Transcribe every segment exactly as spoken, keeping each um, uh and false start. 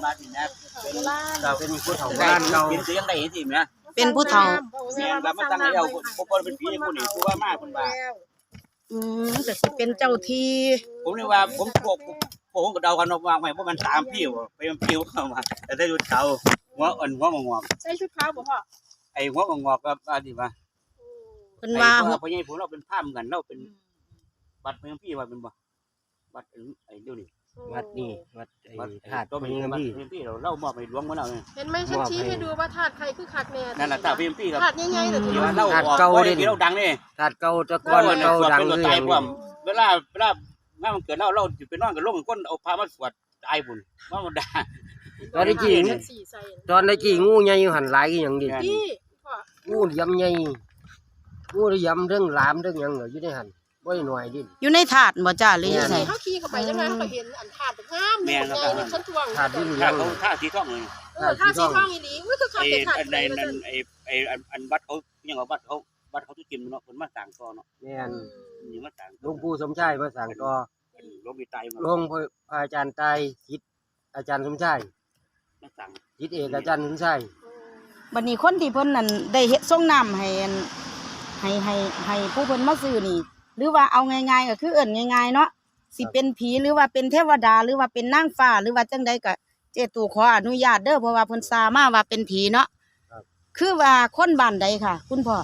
มาสินะเป็นเราเป็นผู้เฒ่าบ้านเราเป็นเสียงได้เห็นสิแม่เป็นผู้เฒ่าแม่รับมาตั้งให้เอาผู้คนเป็นผีผู้นี้ผู้ว่ามากคนว่าอืมก็สิเป็นเจ้าที่ผมเลยว่าผมพวกผมก็เดากันวางไว้เพราะมันสามพี่ว่ไปมันผิวเข้ามาแต่ได้ดูเฒ่าหัวอ่อนหัวงอกใส่ชุดขาวบ่พ่อไอ้หัวงอกก็อันนี้ว่าเพิ่นว่าเพราะยังผมเราเป็นภาพกันเราเป็นบัตรเมืองพี่ว่าเป็นบ่บัตรไอ้เดี๋ยวนี้วัดนี่วัดไอ้บัตรธาตุตัวพเป็นญาบัตรพี่เมืองพี่เราเล่ามอบให้หลวงมาแล้วเนี่ยเห็นไหมฉันชี้ให้ดูว่าธาตุใครคือคักแน่นั่นแหละตาเพียมพี่ครับธาตุใหญ่ๆแต่ที่ที่ว่าว่าเล่าออกก็ได้เราดังนี่ธาตุเก่าตะกอนเก่าดังเป็นคือตาอย ย่างความนี้เวลาเวลางานมันเกิดเราเราจะไปนอนกับลงก้นเอาพามาสวดตายบุญว่ามันด่าตอนนี้กี่สี่ใส่ตอนนี้กี่งูใหญ่อยู่หันหลายคือหยังดิพี่พ่องูยำใหญ่งูยำเรื่องหลามเรื่องหยังเหรออยู่ในหันบ่ได้หน่อยดิอยู่ในถาดบ่จ้าหรืออยู่ไสเฮาขี่เข้าไปจังไงเฮาก็เห็นอันธาตุงามใหญ่นี่ฉันทวงธาตุที่นี่ถ้าเขาท่าสีทองเลยเออธาตุสีทองอีหลีมันคือคักไอ้แต่ธาตุอันใดใดมันนั่นไอ้ไอ้อันบัตรเขายังเอาบัตรเขาบัตรเขาทุกจิมเนาะคนมาต่างต่อเนาะแม่นนี่มาต่างหลวงปู่สมชายมาสั่งต่อหลวงพี่ตายมาหลวงพ่ออาจารย์ตายจิตอาจารย์สมชายมาต่างจิตเอกอาจารย์สมชายบัดนี้คนที่เพิ่นนั่นได้เฮ็ดส่งน้ำให้อันให้ให้ให้ผู้เพิ่นมาซื้อนี่ หรือว่าเอาง่ายๆก็คือเอิ้นง่ายๆเนาะสิเป็นผีหรือว่าเป็นเทวดาหรือว่าเป็นนางฟ้าหรือว่าจังใดก็เจตู่ขออนุญาตเด้อเพราะว่าเพิ่นซามาว่าเป็นผีเนาะคือว่าคนบ้านใดค่ะ คุณพ่อ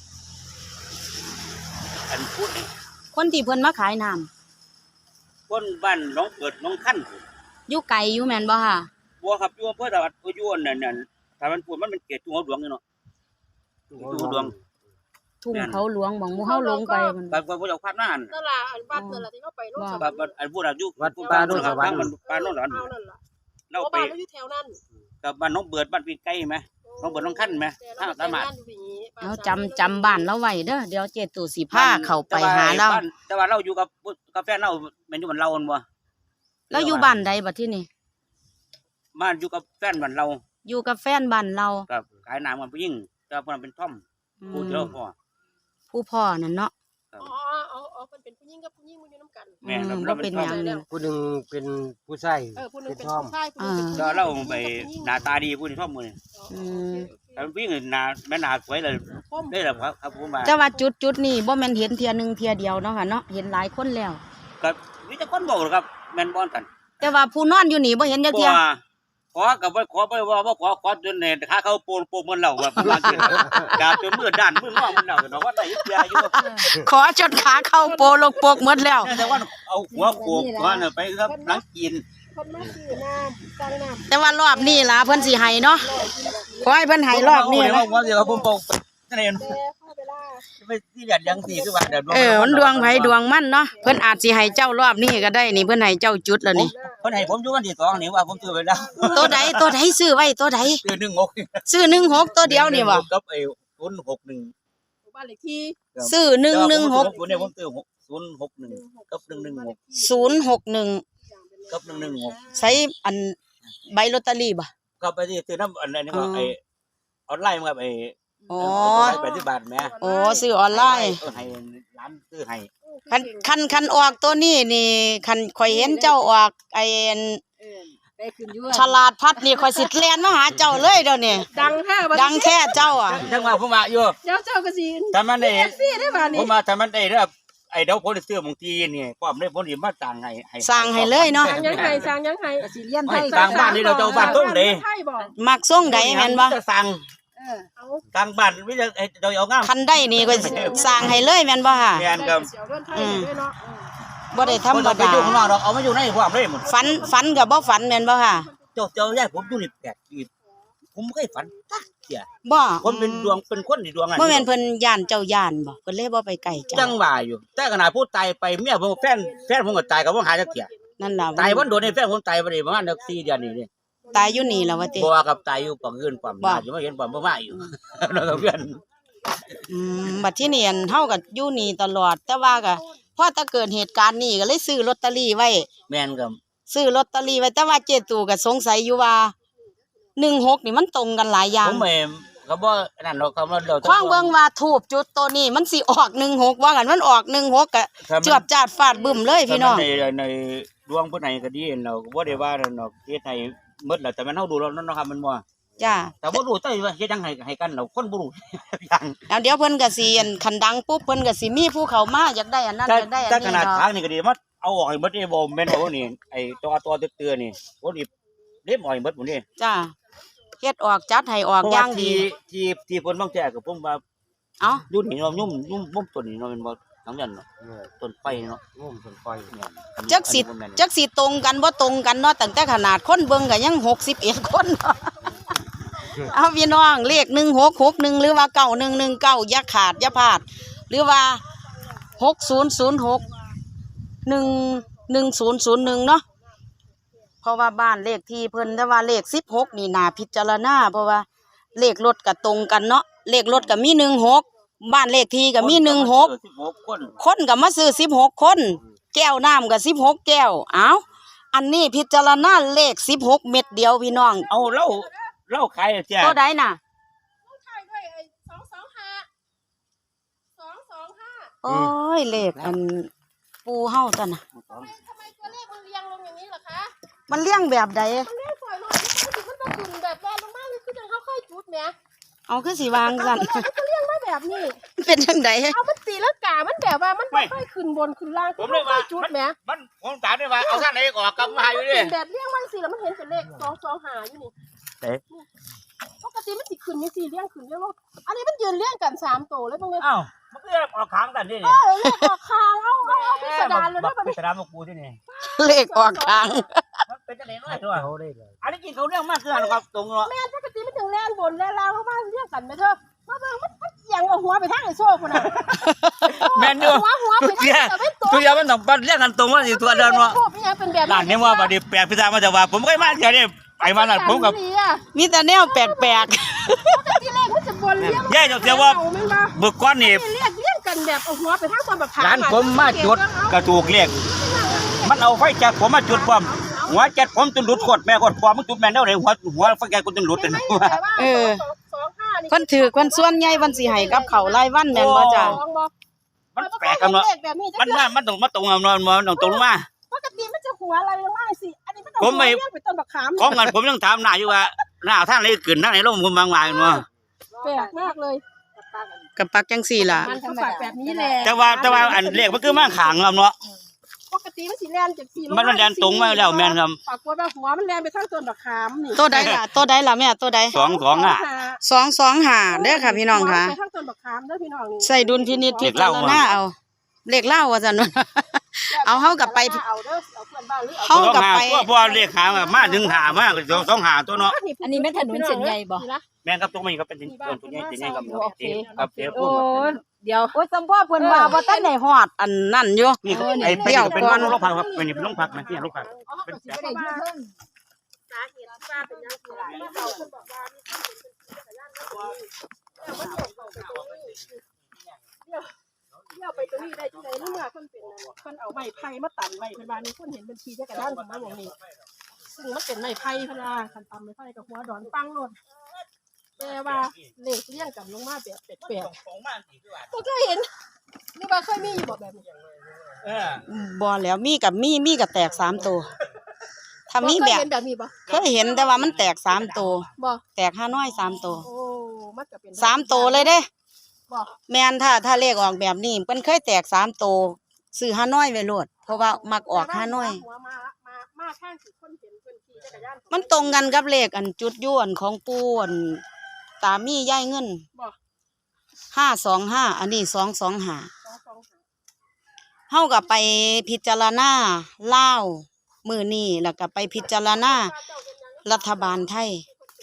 อันพูดคนที่เพิ่นมาขายน้ำคนบ้านน้องเกิดน้องขั้นอยู่ไกลอยู่แม่นบ่ค่ะบัวครับอยู่อำเภอตะวัดอยู่นั่นนั่นถ้ามันพูดมันเป็นเกศทุ่งหัวหลวงอยู่เนาะทุ่งหัวหลวงทุ่งเขาหลวงหม่องหมู่เฮาลงไปมันบางคนเขาจะพาดหน้านั่นล่ะอันวัดนั่นล่ะที่เขาไปโน่นสบางคนอันพูดอายุวัดป่าโนนสวรรค์มันป่าโนนสวรรค์เอานั่นล่ะเราเราไปไปอยู่แถวนั้นกับบ้านน้องเบิดบ้านปีนไก่ไหมน้องเบิดน้องขั้นไหมถ้าสามารถเอาจำจำบ้านเราไว้เด้อเดี๋ยวเจตู่สิพาเข้าไปหาเราแต่ว่าเราอยู่กับกับแฟนเราเป็นอยู่บ้านเราบ่แล้วอยู่บ้านใดบัดที่นี่บ้านอยู่กับแฟนบ้านเราอยู่กับแฟนบ้านเรากับขายน้ำกันผู้หญิงแต่เพิ่นเป็นท่อมอืผู้มเดียวพอผู้พ่อนั่นเนาะอ๋ออ๋ออ๋อเพิ่นเป็นผู้หญิงกับผู้หญิงมันอยู่นํกันแม่อืมเราบ่เป็เป็น นท่หอมยังนี่ผู้หนึ่งเป็นผู้ชายเออผู้นึงเป็นเป็นท่อมผู้ชายผู้นึงเป็นผู้หญิงแล้วเราไปหน้าตาดีผู้ที่ท่อมมืออืมแต่ผู้หญิงหน้าแม่หน้าสวยเลยได้แหละครับครับผมมาแต่ว่าจุดจุดนี้บ่แม่นเห็นเทียหนึงเทียเดียวเนาะค่ะเนาะเห็นหลายคนแล้วก็มีแต่คนบอกครับแม่นบ่กันแต่ว่าผู้นอนอยู่นี่บ่เห็นจักขเทียอขอกับบ่ขอบ่ว่าบ่ขอขอจนเนี่ยถ้าเขาโปนโปนมันเราว่าประมาณนี้ดาบจนมือด้านมืองอมันเราเนาะว่าได้ยึดยาอยู่ขอจนขาเข้าโปลกปกหมดแล้วแต่ว่าเอาหัวโขกว่าน่ะไปครับหนังกินคนมาซื้อน้ำสั่งน้ำแต่ว่ารอบนี้ล่ะเพิ่นสิให้เนาะขอให้เพิ่นให้รอบนี้เนาะนะว่าเดี๋ยวผมบอกนั่นเองแต่เข้าไปล่าไปที่แบบยังสี่คือว่าเดี๋ยวเออมันดวงไผดวงมันเนาะเพิ่นอาจสิให้เจ้ารอบนี้ก็ได้นี่เพิ่นให้เจ้าจุดแล้วนี่เพิ่นให้ผมอยู่วันที่สองนี่ว่าผมซื้อไปแล้วตัวใดตัวใดซื้อไว้ตัวใดซื้อหนึ่งหกซื้อหนึ่งหกตัวเดียวนี่บ่กับไอ้ศูนย์หกหนึ่งบ้านเลขที่ซื้อหนึ่งหนึ่งหกผมเนี่ยผมซื้อศูนย์หกหนึ่งกับหนึ่งหนึ่งหกศูนย์หกหนึ่งกับหนึ่งหนึ่งหกใช้อันใบลอตเตอรี่บ่ก็ไปที่ซื้อน้ำอันนี้ก็ไอ้ออนไลน์มาครับไอ้อ๋อแปดสิบบาทแม่โอ้ซื้อออนไลน์เออให้ร้านซื้อให้คันคันคันออกตัวนี้นี่คันข่อยเห็นเจ้าออกไอ้อันเออได้ขึ้นอยู่ฉลาดพัดนี่ข่อยสิแล่นมาหาเจ้าเลยเดี๋ยวนี้ดังแท้บัดดังแท้เจ้าอ่ะจังว่าผมมาอยู่เดี๋ยวเจ้าก็สิถ้ามันได้ฟรีได้บ้านผนี้มมาถ้ามันได้เด้อไอ้เดี๋ยวผมจะซื้อบางทีนี่ป้อมได้ผมสิมาสั่งให้ให้สั่งให้เลยเนาะสั่งยังไงสั่งยังไงสิเรียนไทยสั่งบ้านนี่เราจะเอาบ้านตรงเด้ไทยบ่มักส่งใดแม่นบ่จะสั่งเออเอาสั่งบ้านวิจะเราเอางามคันได้นี่ก็สั่งให้เลยแม่นบ่ค่ะแม่นครับเสียวเรื่องไทยด้วยเนาะบ่ได้ธรรมบ่ไปดาอยู่ข้างนอกหรอกเอามาอยู่ในพวกเลยหมดฝันฝันก็บ่ฝันแม่นบ่ค่ะเจ้าเจ้าย่าผมอยู่นี่แปดปีผมไม่เคยฝันจักเที่ยบ่ผมเป็นดวงเป็นคนที่ดวงบ่แม่นเพิ่นย่านเจ้าย่านบ่เพิ่นเลยบ่ไปใกล้เจ้าจังว่าอยู่แต่ขนาดผู้ตายไปเมียผมแฟนแฟนผมก็ตายก็บ่หาจักเที่ยนั่นล่ะตายวันโดนในแฟนผมตายบ่ได้ประมาณสี่เดือนนี่นี่ตายอยู่นี่ล่ะว่าติบ่ว่ากับตายอยู่ปังอื่นปังบ่มาอยู่มาเห็นปังบ่มาอยู่ แล้วก็เพื่อนอืมบัดที่นี่อันเฮาก็อยู่นี่ตลอด แต่ว่าก็พอถ้าเกิดเหตุการณ์นี้ก็เลยซื้อลอตเตอรี่ไว้แม่นครับซื้อลอตเตอรี่ไว้แต่ว่าเจตู่ก็สงสัยอยู่ว่าหนึ่งหกนี่มันตรงกันหลายอย่าผงมไม่ก็บ่นั่นดอกคำว่าเดี๋ยวข้างเบิ่งว่าทูบจุดตัวนี้มันสิออกหนึ่งหกว่ากันมันออกหนึ่งหกก็จวบจาดฟาดบึ้มเลยพี่น้องในในดวงผู้ไหนก็ดีเราก็บ่ได้ว่านั่นดอกเฮ็ดให้หมดแล้วแต่มันเฮาดูแล้วเนาะครับมันบ่จ้าแต่บ่รู้แต่ว่าเฮ็ดจังไห้ให้กันเราคนบ่รู้อย่างแล้วเดี๋ยวเพิ่นก็สิอันคันดังปุ๊บเพิ่นก็สิมีผู้เข้ามาอยากได้อันนั้นแต่อยากได้อันแต่นี้ขนาดดอกทางนี่ก็ดีมันเอาออกให้หมดนี่บ่แม่นเอานี่ไอ้ตัวตัวเตือนๆนี่บ่นี่เล็บออกให้หมดหมดนี่จ้าเฮ็ดออกจัดให้ออกอย่างดีที่ที่ที่เพิ่นบางแท้ก็ผมว่าเอ้าอยู่นี่เนาะยุ่มยุ่มมุมต้นนี่เนาะแม่นบ่ทั้งนั้นเนาะเออต้นไฟเนาะงุ่มต้นไฟเนี่ยจักสิจักสิตรงกันบ่ตรงกันเนาะตั้งแต่ขนาดคนเบิ่งก็ยังหกสิบเอ็ดคนเนาะ เอาพี่น้องเลขหนึ่งหกหกหนึ่งหรือว่าเก้าหนึ่งหนึ่งเก้าอย่าขาดอย่าพลาด หรือว่าหกศูนย์ศูนย์หกหนึ่งหนึ่งศูนย์ศูนย์หนึ่งเนาะเพราะว่าบ้านเลขที่เพิ่นแต่ว่าเลขสิบหกนี่น่าพิจารณาเพราะว่าเลขรถก็ตรงกันเนาะเลขรถก็มีหนึ่งหกบ้านเลขที่ก็มีหนึ่งหกสิบหกคนคนก็มาซื้อสิบหกคน แก้วน้ำก็สิบหกแก้วเอาอันนี้พิจารณาเลขสิบหกเม็ดเดียวพี่น้องเอาเหล้าเหล้าขายแท้ตัวใดน่ะต้องถ่ายด้วยไอ้สองสองห้าสองสองห้าโอ้ยเลขอันปูเฮาจ้ะน่ะทำไมตัวเลขมันเรียงลงอย่างนี้ล่ะคะมันเลี้ยงแบบใดมันเลขสวยหน่อยมันมันต้องขึ้นแบบแรงลงมากเลยคือจังเขาเคยจุดแหมเอาคือสีวางสั่นมันจะเรียงมาแบบนี้เป็นจังไดเอามันตีแล้วกามันแบบว่ามันไม่ค่อยขึ้นบนขึ้นล่างผมเลยว่าจุดแหมมันผมถามได้ว่าเอาท่านไหนออกกลับมาอยู่ดิเป็นแบบเรียงมันสิแล้วมันเห็นเป็นเลขสองสองหาอยู่นี่เอ๊ะปกติมันสิขึ้นมีสี่เรียงขึ้นเรียงลงอันนี้มันยืนเรียงกันสามตัวเลยตรงนี้อ้าวมันก็ออกค้างกันดิเออเลขออกคางเอาเอาเอาพิสดารเลยนะบัดพินี้สดารมากูที่นี่เลขออกกลางมันเป็นจังได๋น้อยตัวเขาได้เลยอันนี้กินเขาเรื่องมากคืออันครับตรงเนาะแม่ปกติมันถึงแรงบนแรงล่างมาเรียงกันไหมเธอมาเบิ่งมันมันเอียงเอาหัวไปทางไอ้โซ่คนน่ะแม่นอยู่หัวหัวไปทางแต่ไม่ตรงตัวอยางมันต้องปัดเรียกกันตรงว่าสิตัวเดินว่าพวกนี้เป็นแบบร้านนี้ว่าบัดนี้แปลกพิสดารมาจากว่าผมก็มาเดี๋ยวนี้ไปมานั่นผมกับมีแต่แนวแปลกปกติเลขมันจะบนเรียงย่าจะเสียว่าเอาไม่ว่าบึกก้อนนี่เรียกเรียงกันแบบเอาหัวไปทางตอนแบบขาร้านผมมาจุดกระถูกเรียกมันเอาไฟจากผมมาจุดความหัวจัดผมจนหลุดโคตรแม่โคตรความมันจุดแม่นเด้อเลยหัวหัวไฟแกกูจนหลุดเลยเออคนถือคนส่วนใหญ่วันสิให้กับเขารายวันแม่นบ่จ้ะมันแปลกกันเนาะมันว่ามันต้องมาตรงเอาเนาะมันต้องตรงมาปกติมันจะหัวอะไรลงมาสิอันนี้มันต้องผมไม่เรียงไปต้นบักขามของกันผมยังถามหน้าอยู่ว่าหน้าท่านอะไรขึ้นท่านไหนลงผมบางวายเนาะแปลกมากเลยกับปักจังสี่ล่ะมันก็ฝากแบบนี้แหละแต่ว่าแต่ว่าอันเลขมันคือมาขางเราเนาะปกติมันสีแลนจากสีมันมันแล่นตรงมาแล้วแม่นครับปรากฏว่าหัวมันแลนไปทางต้นบักขามนี่ตัวใดล่ะตัวใดล่ะแม่ตัวใดสองสองอ่ะสองสองห้าเด้อค่ะพี่น้องค่ะไปทางต้นบักขามเด้อพี่น้องนี่ใส่ดุลพินิจพิจารณาเอาเลขเล่าว่าซั่น เอาเฮากลับไปเอาเด้อเอาเพื่อนบ้านหรือเอาเฮาสองหาตัวพอเลขหามาถึงหามาก็สองหาตัวเนาะอันนี้แม่นถนนเส้นใหญ่บ่แม่นครับตรงนี้ก็เป็นต้นตัวนี้ตัวนี้ครับครับเดี๋ยวพูโอ้ดเดี๋ยวโอ้ยสัมพ่อเพิ่นว่าบ่ทันได้ฮอดอันนั่นอยู่นี่ไอ้เป็นเป็นโรคพักครับเป็นโรคพักนะที่โรคพักเอาเขาก็สิบ่ได้ยืดเพิ่นสาเหตุที่ว่าเป็นยังไงล่ะเมื่อเขาเพิ่นบอกว่ามีคนเป็นจักรยานรถดีแล้วมันเดี่ยวเข้าไปตรงนี้เดี่ยวเดี่ยวไปตรงนี้ได้จังได๋เมื่อเพิ่นเป็นนั่นเพิ่นเอาไม้ไผ่มาตันไว้เพิ่นว่ามีคนเห็นบัญชีจักรยานของมาหม่องนี้ซึ่งมันเป็นไม้ไผ่เพิ่นว่าคันตำไม้ไผ่กับหัวดอนปังโลดแต่ว่าเลขเรียงกันลงมาแบบแปลกๆบ่เคยเห็นหรือว่าเคยมีอยู่บ่แบบนี้เออบ่แล้วมีกับมีมีกับแตกสามตัวถ้ามีแบบเคยเห็นแบบนี้บ่เคยเห็นแต่ว่ามันแตกสามตัวบ่แตกห้าน้อยสามตัวโอ้มันก็เป็นสามตัวเลยเด้บ่แม่นถ้าถ้าเลขออกแบบนี้เพิ่นเคยแตกสามตัวซื้อห้าน้อยไว้โลดเพราะว่ามักออกห้าน้อยหัวมามามาข้างสิคนเห็นเพิ่นขี่จักรยานมันตรงกันกับเลขอันจุดยวนของปูอันตามีย่ายเงินบ่ห้าสองห้าอันนี้สองสองห้าสองสองห้าเฮาก็ไปพิจารณาลาวมื้อนี้แล้วก็ไปพิจารณารัฐบาลไทย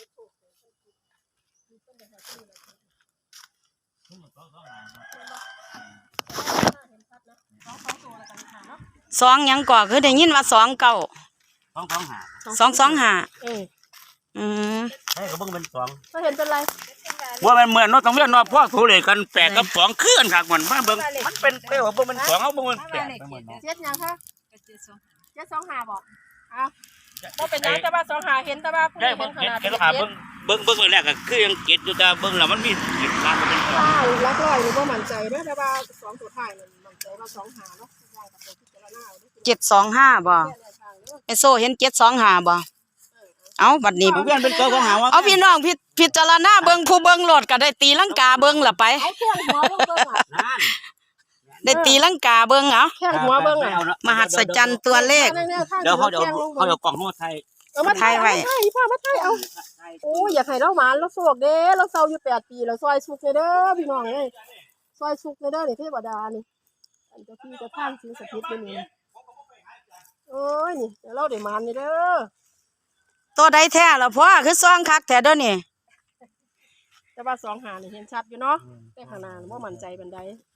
สองหยังก่อคือได้ยินว่าสองเก้าสองสองหาสองสองห้าเอออืมใช่ก็เบิ่งเป็นสองก็เห็นเป็นไรว่ามันเหมือนเนาะต้องเรียนเนาะพ่อถูเลกันแปดกับสองคือกันคักมันมาเบิ่งมันเป็นเปลว่าเบิ่งมันสองเอาเบิ่งมันแปดไปหมดเนาะเจ็ดยังคะเจ็ดสองห้าบอกอ้าวบ่เป็นหยังแต่ว่าสองห้าเห็นแต่ว่าผู้ได้เห็เบิ่นงขเก็ดนาดเก็ดราคาเบิ่งเบิ่งเบิ่งแรกก็คือยังเก็ดอยู่แต่เบิ่งแล้วมันมีเก็ดราคาเป็นสองใช่ลักร้อยนี่บ่มั่นใจเด้อแต่ว่าสองตัวท้ายนั่นมั่นใจว่าสองห้าเนาะได้กับตัวพิจารณาเอาเด้อเจ็ดสองห้าบ่แค่แนวทางเด้อไอโซเห็นเจ็ดสองห้าบ่เออเอาบัดนี้เพื่อนเป็นตัวของหาว่าเอาพี่น้องพิพิจารณาเบิ่งผู้เบิ่งโลดก็ได้ตีลังกาเบิ่งล่ะไปเอาแข้งหัวเบิ่งเบิ่งอ่ะนั่นได้ตีลังกาเบิ่งเอาแข้งหัวเบิ่งอ่ะมหัศจรรย์ตัวเลขเดี๋ยวเขาเดี๋ยวเขาเดี๋ยวกล่องหัวไทยเอามาถ่ายถ่ายไว้ไว้พ่อมาถ่ายเอาโอ้ยอยากให้เราหมานเราโศกเด้เราเศร้าอยู่แปดปีเราซอยสุกเลยเด้อพี่น้องเอ้ยซอยสุกเลยเด้อนี่เทวดานี่อันเจ้าที่เจะท่านสิ่งศักดิ์สิทธิ์อยู่นี่โอ้ยนี่เดี๋ยวเราได้หมานนี่เด้อตัวใดแท้ล่ะพ่อคือซ่องคักแท้เด้อนี่แต่ว่าสองหานี่เห็นชัดอยู่เนาะแต่ข้างหน้าบ่มั่นใจปานใด